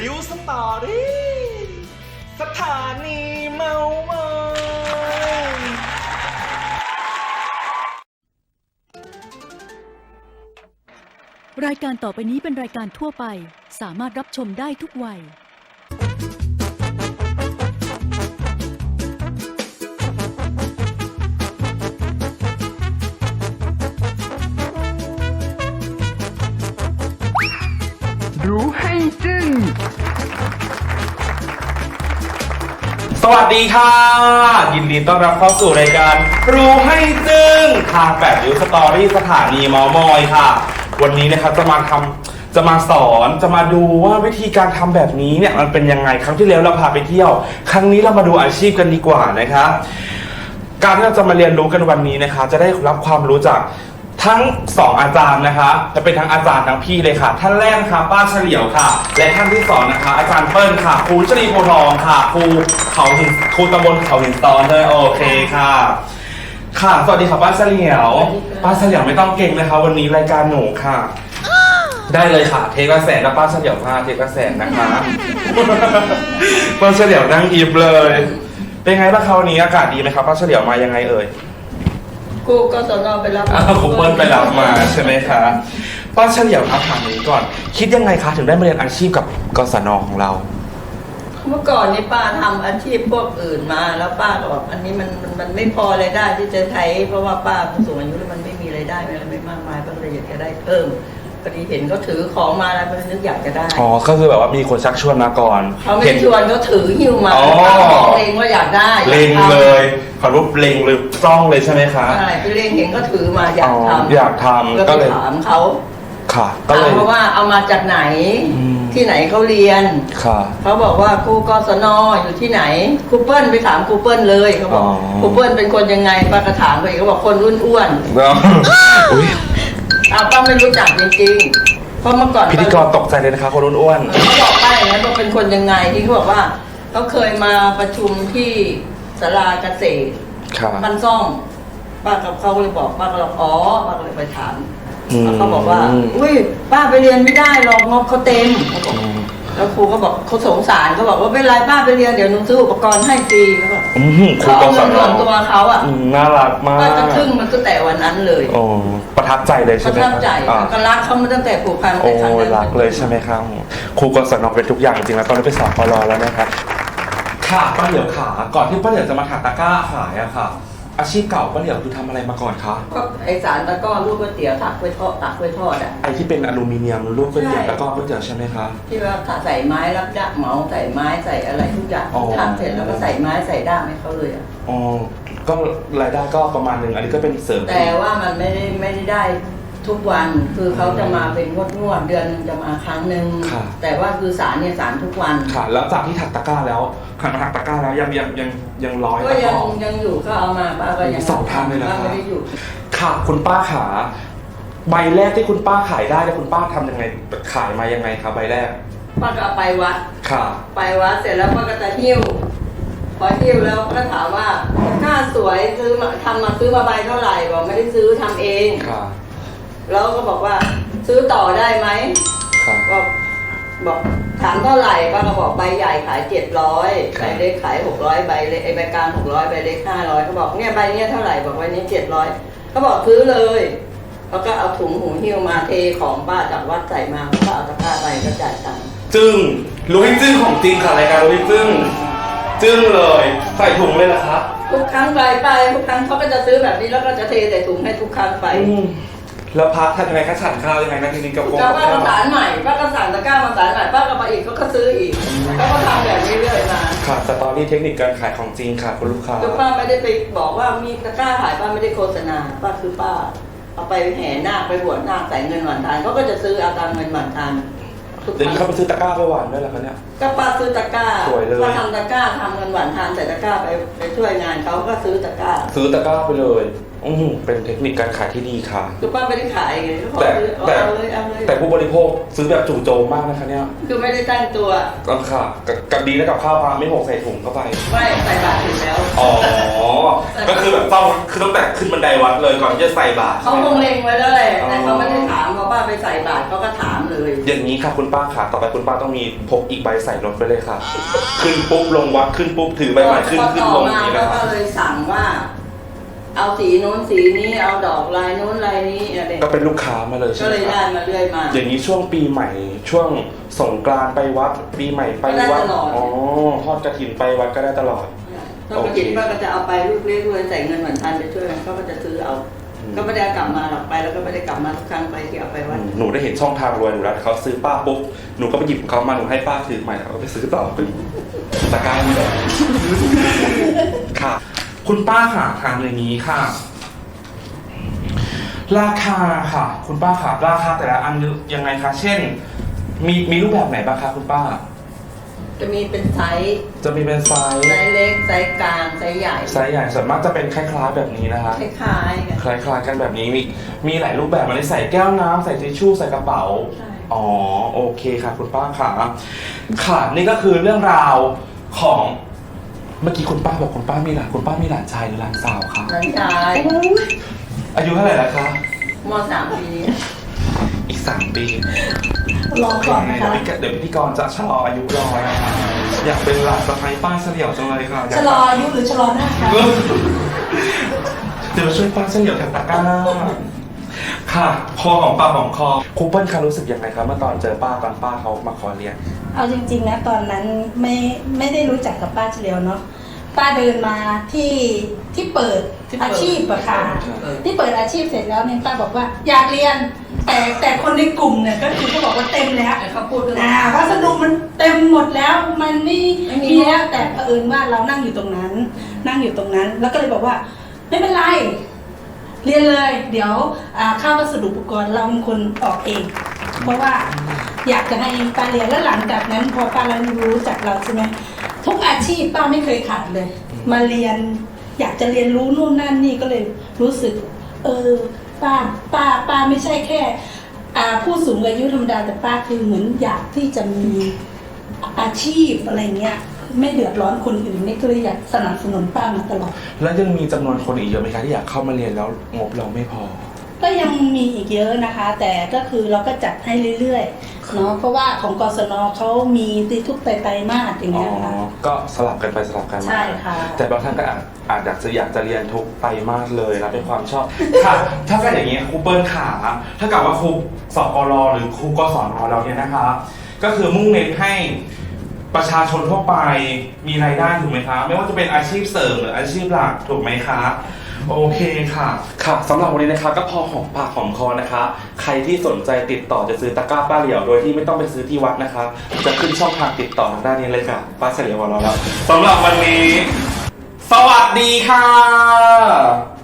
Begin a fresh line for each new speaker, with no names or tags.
วสตอรี่สถานีเมามอย
รายการต่อไปนี้เป็นรายการทั่วไปสามารถรับชมได้ทุกวัย
รู้ให้จึ้ง
สวัสดีค่ะยินดีต้อนรับเข้าสู่รายการรู้ให้จึ้งทาง8ริ้วสตอรี่สถานีเมามอยค่ะวันนี้นะครับจะมาสอนจะมาดูว่าวิธีการทำแบบนี้เนี่ยมันเป็นยังไงครั้งที่แล้วเราพาไปเที่ยวครั้งนี้เรามาดูอาชีพกันดีกว่านะครับการที่เราจะมาเรียนรู้กันวันนี้นะคะจะได้รับความรู้จากทั้ง2อาจารย์นะคะจะเป็นทั้งอาจารย์ทั้งพี่เลยค่ะท่านแรกค่ะป้าเฉลียวค่ะและท่านที่2นะคะอาจารย์เปิ้ลค่ะครูชลีโพทองค่ะครูตำบลเขาหินซ้อนเลยโอเคค่ะค่ะสวัสดีค่ะป้าเฉลียวป้าเฉลียวไม่ต้องเก่งนะคะวันนี้รายการหนูค่ะได้เลยค่ะเทกระแสและป้าเฉลียวค่ะเทกระแสนะคะป้าเฉลียวนั่งอิบเลยเป็นไงบ้างคะวันนี้อากาศดีไหมครับป้าเฉลียวมายังไงเอ่ย
ครูกศนไปรับ
ครูเปิ้ลไปรับมาใช่ไหมคะป้าเฉลียวถามนี้ก่อนคิดยังไงคะถึงได้มาเรียนอาชีพกับกศนของเรา
เมื่อก่อนนี่ป้าทำอาชีพพวกอื่นมาแล้วป้าก็บอกอันนี้มันไม่พอรายได้ที่จะใช้เพราะว่าป้าผู้สูงอายุแล้วมันไม่มีรายได้ไม่มากมายป้าเลยอยากจะได้เพิ่มพอดีเห็นเขาถือของมาแล้วป้านึกอยากจะได้
อ๋อก็คือแบบว่ามีคนชักชวนมาก่อน
เขาไม่ชวนเขาถือหิ้วมาป้าบอกเล็งว่าอยากได้
เล็งเลยขอรูปเล็งเลยจ้องเลยใช่ไหมคะ
ใช่ไปเล็งเห็นเขาถือมาอยากทำ
ก็เลย
ถามเขา
ค่ะก็เลย
เพราะว่าเอามาจากไหนที่ไหนเขาเรียนเขาบอกว่าครูกศนอยู่ที่ไหนครูเปิ้ลไปถามครูเปิ้ลเลยเขาบอกครูเปิ้ลเป็นคนยังไงป้าก็ถามไปเขาบอกคนอ้วนป้าไม่รู้จักจริงๆเพราะเมื่อก่อน
พิธีกรตกใจเลยนะคะคนอ้วน
เขาบอกป้าอย่างนั้นว่าเป็นคนยังไงที่เขาบอกว่าเขาเคยมาประชุมที่ศาลาเกษตรมันซ่อมป้ากับเขาเลยบอกป้าก็เลยป้าก็เลยไปถามเขาบอกว่าอุ้ยป้าไปเรียนไม่ได้หรอกงบเขาเต็มเขาบอกแล้วครูก็บอกเขาสงสารเขาบอกว่าไม่เป็นไรป้าไปเรียนเดี๋ยวหนูซื้ออุปกรณ์ให้ฟรีเขาบอกเขาเอาเงินส่วนตัวเขาอ่ะ
น่ารักมาก
ป้าจะทึ่งมันตั้งแต่วันนั้นเลย
โอ้ประทับใจเลยใช่ไหม
ประทับใจก็รักเขามาตั้งแต่ผูกพัน
โอ้รักเลยใช่ไหมครับครูกศนเป็นทุกอย่างจริงแล้วตอนนี้ไปสอบปลแล้วนะครับค่ะป้าเหลียวขาก่อนที่ป้าเหลียวจะมาถักตะกร้าขายอะค่ะอาชีพเก่าป้าเหลียวคือทำอะไรมาก่อนคะ
ก็ไอสารตะก้อลูกก๋วยเตี๋ยวตักไว้ทอดอ่ะ
ไอที่เป็นอลูมิเนียมลูกก๋วยเตี๋ยวตะก้อก๋วยเตี๋ยวใช่ไหมคะ
ที่ว่าใส่ไม้รับด้ามเหมาใส่ไม้ใส่อะไรทุกอย่างทำเสร็จแล้วก็ใส่ไม้ใส่ด้ามให้เขาเลยอ่ะ
อ๋อก็รายได้ก็ประมาณนึงอันนี้ก็เป็นเสริม
แต่ว่ามันไม่ได้ทุกวันคือเขาจะมาเป็นงวดเดือนนึงจะมาครั้งนึงแต่ว่าคือสารเนี่ยสารทุกวัน
ค่ะแล้วจากที่ถักตะกร้าแล้วขันมาถักตะกร้าแล้วยังร้อย
ก็ยังอยู่ก็เอามาป้าก็ยัง
2 ทางเลยนะ
ไม่ได้หยุด
ค่ะคุณป้าขาใบแรกที่คุณป้าขายได้แล้วคุณป้าทำยังไงขายมายังไงครับใบแรก
ป้าก็ไปวัด
ค่ะ
ไปวัดเสร็จแล้วป้าก็จะหิ้วพอหิ้วแล้วก็ถามว่าค่าสวยซื้อมาซื้อมาใบเท่าไหร่บอกไม่ได้ซื้อทำเอง
ค่ะ
แล้วก็บอกว่าซื้อต่อได้ไหมบอกถามเท่าไหร่ป้าก็บอกใบใหญ่ขาย700ใบเล็กขาย600ใบเล็กใบกลาง600ใบเล็ก500เขาบอกเนี่ยใบนี้เท่าไหร่บอกใบนี้700เขาบอกซื้อเลยแล้วก็เอาถุงหูหิ้วมาเทของป้าจากวัดใส่มาแล้วก็เอาตะกร้าไปก็จ่ายตังค์
จึ้งรู้ให้จึ้งของจริงค่ะรายการรู้ให้จึ้งเลยใส่ถุงเลยเหรอคะ
ทุกครั้งไปทุกครั้งเขาก็จะซื้อแบบนี้แล้วก็จะเทใส่ถุงให้ทุกครั้งไป
แล้วพักทำยังไงคะฉันข้าวยังไงนะทีนี้กับ
ป้าก็สารใหม่ป้าก็สั่งตะกร้ามาสารใหม่ป้าก็มาอีกเขาก็ซื้ออีกเขาก็ทำแบบนี้เรื่อยมา
ค่ะสตอรี่เทคนิคการขายของจริงค่ะคุณลูกค้า
คือป้าไม่ได้ไปบอกว่ามีตะกร้าขายป้าไม่ได้โฆษณาป้าคือป้าเอาไปแห่นาคไปบวชนาคใส่เงินหวานทานเขาก็จะซื้อเอาตามเงินหวานทาน
เดี๋ยวนี้เขาไปซื้อตะกร้าไปหวานด้วยเหรอคะเนี่ย
ก็ป้าซื้อตะกร้า
สวยเลย
ป้าทำตะกร้าทำเงินหวานทานใส่ตะกร้าไปช่วยงานเขาก็ซื้อตะกร้า
ไปเลยเป็นเทคนิคการขายที่ดีค่ะ
คือป้าไม่ได้ขายไงเขาบอก
แต่
เอาเลยเอาเลย
แต่ผู้บริโภคซื้อแบบจู่โจมมากนะคะเนี่ย
คือไม่ได้ตั้งตัว
ก็ค่ะกับดีแล้วกับข้าวพาไม่หกใส่ถุงเข้าไป
ไม่ใส่บาตรถึงแล้ว
อ๋อ ก็คือแบบต้องคือตั้งแต่ขึ้นบันไดวัดเลยก่อนที่จะใส่บาตร
เขาคงเล็งไว้แล้วแหละแต่เขาไม่ได้ถามเพราะป้าไปใส่บาตรเขาก็ถามเลย
อย่างนี้ค่ะคุณป้าค่ะต่อไปคุณป้าต้องมีพกอีกใบใส่รถไปเลยค่ะ ขึ้นปุ๊บลงวัดขึ้นปุ๊บถือใบใหม่ขึ้นลงอย่างนี้
ก็
นะคะ
เลยสั่งว่า เอาสีโน้นสีนี้เอาดอกลายโน้นลายนี้อะไร
ก็เป็นลูกค้ามาเลยใช่
ก็
ไหม
เลย
ค
ได้
รับ
มาเรื่อยมา
อย่างนี้ช่วงปีใหม่ช่วงสงกรานต์ไปวัดปีใหม่ไปวัด
ได้ตลอด
อ๋อทอดกฐินไปวัดก็ได้ตลอด
ถ้ากระถิ่นป้าก็จะเอาไปลูกเลี้ยงด้วยใส่เงินเหมือนทันไปช่วยกันก็จะซื้อเอา ก็ไม่ได้กลับมาหรอกไปแล้วก็ไม่ได้กลับมาทุกครั้งไปที่เอาไปวัด
หนูได้เห็นช่องทางรวยหนูแล้วเขาซื้อป้าปุ๊บหนูก็ไปหยิบเขามาหนูให้ป้าถือใหม่แล้วก็ไปซื้อต่อเป็นตะกร้านี่แหละค่ะ คุณป้าค่ะทางอย่างนี้ค่ะ ราคาค่ะ คุณป้าค่ะราคาแต่ละอันยังไงคะเช่น มีรูปแบบไหนบ้างคะคุณป้า
จะมีเป็นไซส์
จะมีเป็นไซส์
ไซส์เล็กไซส์กลางไซส์ใหญ่
ไซส์ใหญ่ส่วนมากจะเป็นคล้ายๆแบบนี้นะคะ
คล้ายๆกัน
คล้ายๆกันแบบนี้มีหลายรูปแบบมันใส่แก้วน้ำใส่ทิชชู่ใส่กระเป๋า
ใช่
อ๋อโอเคค่ะคุณป้าค่ะค่ะนี่ก็คือเรื่องราวของเมื่อกี้คุณป้าบอกคุณป้ามีหลานชายหรือหลานสาวคะ
หลานชาย
อายุเท่าไหร่แล้วคะ
ม.3 ปีนี้
อีก3 ปี
รอก่อนนะคะ
เดี๋ยวพิธีกรจะชะลออายุรอนะคะอยากเป็นหลานสะใภ้ป้าเฉลียวจังเลยค่ะยาก
ชะลออายุหรือชะลอหน้าคะ
เดี๋ยวมาช่วยป้าเฉลียวแถวตะกร้าค่ะคอของปากของคอครูเปิ้ลคะรู้สึกยังไงครับเมื่อตอนเจอป้าตอนป้าเขามาขอเรียน
เอาจริงๆนะตอนนั้นไม่ได้รู้จักกับป้าเฉลียวเนาะป้าเดินมาที่เปิดอาชีพอะค่ะที่เปิดอาชีพเสร็จแล้วเนี่ยป้าบอกว่าอยากเรียน แต่คนในกลุ่มเนี่ยก็คือเขาบอกว่าเต็มแล้ว
เขาพูดด้วย
วัสดุมันเต็มหมดแล้วมันไม่
ไม่มี
มีแล้วแต่เผอิญว่าเรานั่งอยู่ตรงนั้น แล้วก็เลยบอกว่าไม่เป็นไร เรียนเลย เดี๋ยวค่าวัสดุอุปกรณ์เราเป็นคนออกเอง เพราะว่าอยากจะให้ป้าเรียนแล้วหลังจากนั้นพอป้าเรารู้จักเราใช่ไหมทุกอาชีพป้าไม่เคยขาดเลย มาเรียน อยากจะเรียนรู้นู่นนั่นนี่ก็เลยรู้สึก ป้าไม่ใช่แค่ผู้สูงอายุธรรมดาแต่ป้าคือเหมือนอยากที่จะมีอาชีพอะไรเงี้ยไม่เดือดร้อนคนอื่นนี่ก็เลยอยากสนับสนุนป้ามาตลอด
แล้วยังมีจำนวนคนอีกเยอะไหมคะที่อยากเข้ามาเรียนแล้วงบเราไม่พอ
ก็ยังมีอีกเยอะนะคะ แต่ก็คือเราก็จัดให้เรื่อยๆเนาะเพราะว่าของกศนเขามีทุกไตรมาสอย่าง
อ๋อ
เงี้ยค่ะ
ก็สลับกันไปสลับกันมา
ใช่ค่ะ
แต่บางท่านก็อาจอยากจะเรียนทุกไตรมาสเลยนะเป็นความชอบ ค่ะ ถ้าเป็นอย่างนี้ครูเปิ้ลขาถ้ากับว่าครูสกรหรือครูกศนเราเนี่ยนะคะ ก็คือมุ่งเน้นให้ประชาชนทั่วไปมีรายได้ถูกไหมคะ ไม่ว่าจะเป็นอาชีพเสริมหรืออาชีพหลักถูกไหมคะ โอเคค่ะ ค่ะสำหรับวันนี้นะคะก็พอหอมปากหอมคอนะคะ ใครที่สนใจติดต่อจะซื้อตะกร้าป้าเหลียวโดยที่ไม่ต้องไปซื้อที่วัดนะคะ จะขึ้นช่องทางติดต่อทางด้านนี้เลยค่ะ ป้าเฉลียวของเราแล้วสำหรับวันนี้ สวัสดีค่ะ